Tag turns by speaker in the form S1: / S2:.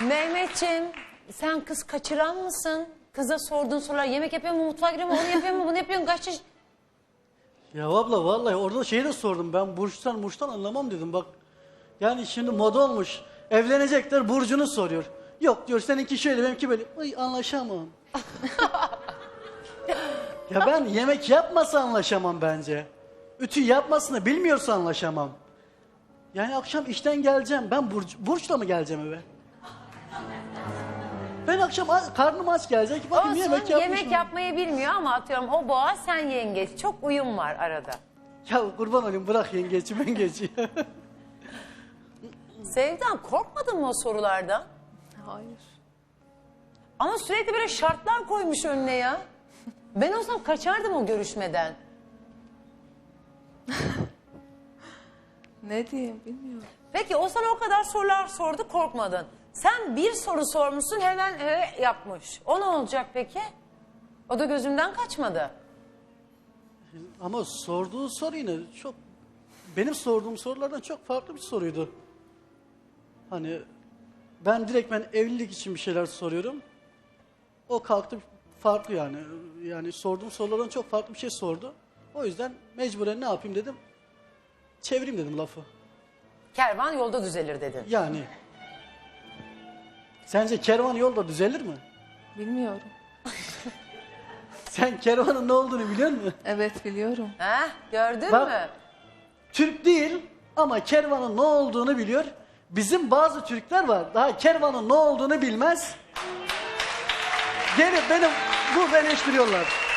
S1: Mehmetciğim, sen kız kaçıran mısın? Kıza sorduğun sorular, yemek yapıyor mu, mutfağa giriyor mu, onu yapıyor mu, bunu yapıyor mu, kaç yaş...
S2: Ya abla vallahi orada şeyi de sordum. Ben burçtan anlamam dedim bak. Yani şimdi moda olmuş. Evlenecekler burcunu soruyor. Yok diyor seninki şöyle benimki böyle. Ay anlaşamam. Ya ben yemek yapmasa anlaşamam bence. Ütü yapmasını bilmiyorsa anlaşamam. Yani akşam işten geleceğim. Ben burçla mı geleceğim eve? Ben akşam karnım aç gelecek. Bakayım
S1: Olsun,
S2: yemek yapmış
S1: yemek
S2: mı?
S1: yapmayı bilmiyor ama atıyorum o boğa, sen yengeç. Çok uyum var arada.
S2: Ya kurban olayım bırak yengeci mengeci.
S1: Sevdan, korkmadın mı o sorulardan?
S3: Hayır.
S1: Ama sürekli böyle şartlar koymuş önüne ya. Ben olsam kaçardım o görüşmeden.
S3: Ne diyeyim bilmiyorum.
S1: Peki o sana o kadar sorular sordu, korkmadın. Sen bir soru sormuşsun, hemen yapmış. O ne olacak peki? O da gözümden kaçmadı.
S2: Ama sorduğu soru yine çok... Benim sorduğum sorulardan çok farklı bir soruydu. Hani ben evlilik için bir şeyler soruyorum. O kalktı farklı yani. Yani sorduğum sorulardan çok farklı bir şey sordu. O yüzden mecburen ne yapayım dedim. Çevireyim dedim lafı.
S1: Kervan yolda düzelir dedin.
S2: Yani. Sence kervan yolda düzelir mi?
S3: Bilmiyorum.
S2: Sen kervanın ne olduğunu biliyor musun?
S3: Evet biliyorum.
S1: Heh, gördün
S2: Bak.
S1: mü?
S2: Türk değil ama kervanın ne olduğunu biliyor. Bizim bazı Türkler var daha kervanın ne olduğunu bilmez. Gelip beni burada eleştiriyorlar.